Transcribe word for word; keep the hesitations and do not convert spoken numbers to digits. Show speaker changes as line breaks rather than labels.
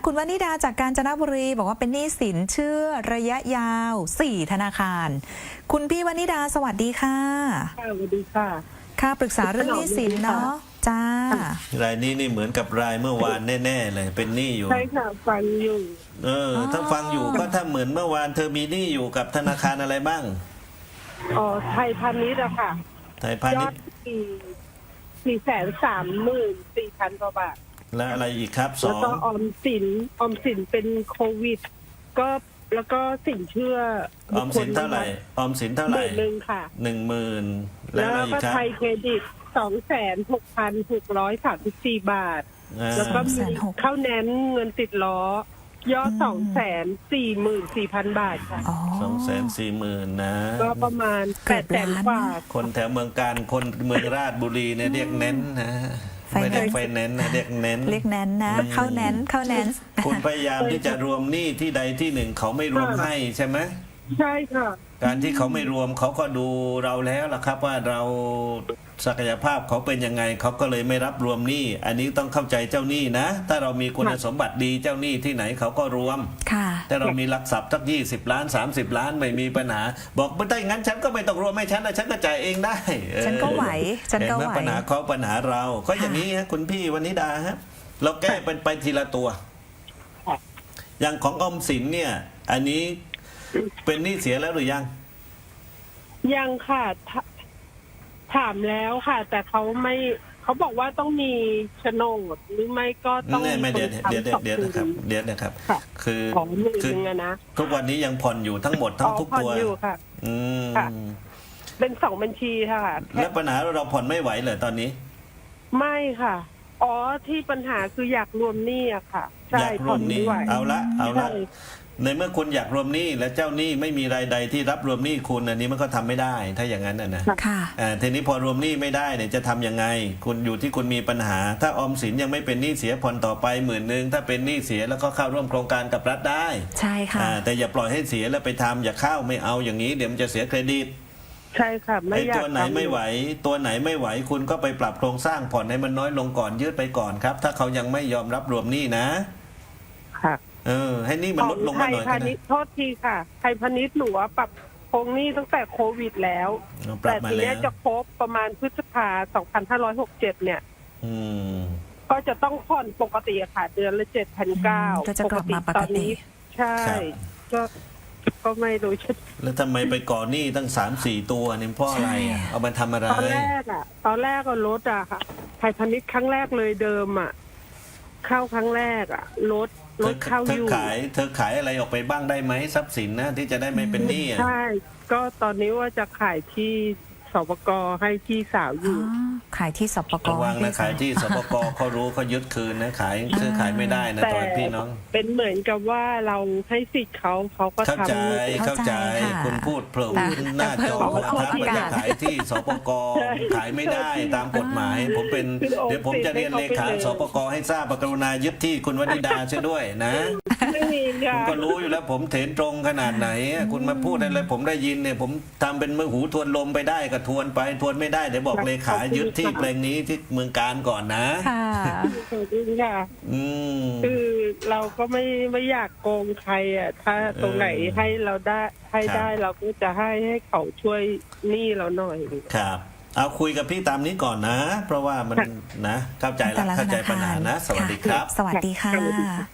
คุณวนิดาจากกาญจนบุรีบอกว่าเป็นหนี้สินเชื่อระยะยาวสี่ธนาคาร คุณพี่วนิดาสวัสดีค่ะ
ค่ะสวัสดีค่ะ
ค่ะปรึกษาเรื่องหนี้สินเนาะจ้าร
ายนี้นี่เหมือนกับรายเมื่อวานแน่ๆเลยเป็นหนี้อยู่
ใช่ค่ะฟังอยู่
เออถ้าฟังอยู่ก็ถ้าเหมือนเมื่อวานเธอมีหนี้อยู่กับธนาคารอะไรบ้าง
อ๋อไทยพาณิชย์อะค่ะ
ไทยพาณิชย์
สี่สี่แสนสามหมื่นสี่พันกว่าบาท
และอะไรอีกครับสอง
แล้วก็ออมสินออมสินเป็นโควิดก็แล้วก็สินเชื่อ
ออมสินเท่าไหร่ออมสินเท่าไหร่
หนึ่งค่ะ
หนึ่งหมื่น
แล้วก็ไทยเครดิตสองแสนหกพันหกร้อยสามสิบสี่บาทแล้วก็มีเข้าแนนเงินติดล้อยอดสองแสนสี่หมื่นสี่พันบาทค่ะ
สองแสนสี่หมื่นนะ
ก็ประมาณแปดแสนกว่า
คนแถวเมืองการคนเมืองราชบุรีเนี่ยเรียกเน้นนะไม่ได้ไฟแนนซ์นะเรียกเน้น
เรียกเน้นนะเข้าเน้นเข้าเน้น
คุณพยายามที่จะรวมหนี้ที่ใดที่หนึ่งเขาไม่รวมให้ใช่ไหม
ใช่ค่ะ
การที่เขาไม่รวมเขาก็ดูเราแล้วล่ะครับว่าเราศักยภาพเขาเป็นยังไงเขาก็เลยไม่รับรวมหนี้อันนี้ต้องเข้าใจเจ้าหนี้นะถ้าเรามีคุณสมบัติดีเจ้าหนี้ที่ไหนเขาก็รวมถ้าเรามีหลักทรัพย์สักยี่สิบล้านสามสิบล้านไม่มีปัญหาบอกไม่ได้งั้นฉันก็ไม่ต้องรวมให้ฉันนะฉันก็จ่ายเองได้
ฉันก็ไหวฉันก็ไหว
ปัญหาเขาปัญหาเราก็อย่างนี้ฮะคุณพี่วนิดาฮะเราแก้เป็นไปทีละตัวอย่างของออมสินเนี่ยอันนี้เป็นหนี้เสียแล้วหรือยัง
ยังค่ะถามแล้วค่ะแต่เขาไม่เขาบอกว่าต้องมีโฉนดหรือไม่ก็ต้อง
ไม่เดี๋ยวเดี๋ยวเดี๋ยวนะครับเดี๋ยวนะครับคือ
คือ
ทุกวันนี้ยังผ่อนอยู่ทั้งหมดทั้งทุกตัว
อยู่ค่ะ
อืม
เป็นสองบัญชีค่ะ
แล้วปัญหาเราผ่อนไม่ไหวเลยตอนนี้
ไม่ค่ะอ๋อที่ปัญหาคืออยากรวมหนี้อะค่ะใช่
ผ่อนไม่ไหวเอาละเอาละในเมื่อคุณอยากรวมหนี้และเจ้าหนี้ไม่มีรายใดที่รับรวมหนี้คุณอันนี้มันก็ทำไม่ได้ถ้าอย่างนั้นนะ
ค่ะ
ทีนี้พอรวมหนี้ไม่ได้เนี่ยจะทํำยังไงคุณอยู่ที่คุณมีปัญหาถ้าออมสินยังไม่เป็นหนี้เสียผ่อนต่อไปหมื่นหนึ่งถ้าเป็นหนี้เสียแล้วก็เข้าร่วมโครงการกับรัฐได้
ใช่ค่ะ
แต่อย่าปล่อยให้เสียแล้วไปทำอย่าเข้าไม่เอาอย่างนี้เดี๋ยวมันจะเสียเครดิต
ใช่ค่ะไม่อยาก
ตัวไหนไม่ไหวตัวไหนไม่ไหวคุณก็ไปปรับโครงสร้างผ่อนให้มันน้อยลงก่อนยืดไปก่อนครับถ้าเขายังไม่ยอมรับรวมหนี้นะ
ค่ะ
เออให้นี่มันลดลงมาหน่อย
ไทยพาณิชย์โทษทีค่ะไทยพาณิชย์หนูปรับโครงหนี้ตั้งแต่โควิดแล้วแต่ทีนี้จะครบประมาณพฤษภาสองพันห้าร้อยหกเจ็ดเนี่ยก็จะต้องผ่อนปกติค่ะเดือนละเจ็ดพันเก้า
ปกติ
ตอนนี้ใช่ก็ก็ไม่รู้
แล้วทำไมไปก่อหนี้ตั้งสามสี่ตัวนี่เพราะอะไรอ่ะเอามาทำอะไร
ตอนแรกอ่ะตอนแรกก็ลดอ่ะค่ะไทยพาณิชย์ครั้งแรกเลยเดิมอ่ะเข้าครั้งแรกอ่ะลดลดเข้าอยู่
เธอขายเธอขายอะไรออกไปบ้างได้ไหมทรัพย์สินนะที่จะได้ไม่เป็นหนี้
ใช่ก็ตอนนี้ว่าจะขายที่สปก.ให้พี่สาวอยู่
ขายที่สปก.
ระวังนะขายที่สปก.เขารู้เขายึดคืนนะขายซื้อขายไม่ได้นะตอนพี่น้อง
เป็นเหมือนกับว่าเราให้สิทธิ์เขาเขาก็ทำ
เข้าใจเข้าใจคุณพูดเพิ่มหน้าจอนะครับว่าจะขายที่สปก.ขายไม่ได้ตามกฎหมายผมเป็นเดี๋ยวผมจะเรียนเลขาสปก.ให้ทราบกรุณายึดที่คุณวนิดาช่วยด้วยนะผมก็รู้อยู่แล้วผมเถนตรงขนาดไหนคุณมาพูดอะไรผมได้ยินเนี่ยผมทำเป็นมือหูทวนลมไปได้ก็ทวนไปทวนไม่ได้เดี๋ยวบอกเลขายึดที่แปลงนี้ที่เมืองการก่อนนะ
ค่ะ
อืม
คือเราก็ไม่ไม่อยากโกงใครอ่ะถ้าตรงไหนให้เราได้ให้ได้เราก็จะให้ให้เขาช่วยหนี้เราหน่อย
ครับเอาคุยกับพี่ตามนี้ก่อนนะเพราะว่ามันนะเข้าใจแล้วเข้าใจปัญหานะสวัสดีครับ
สวัสดีค่ะ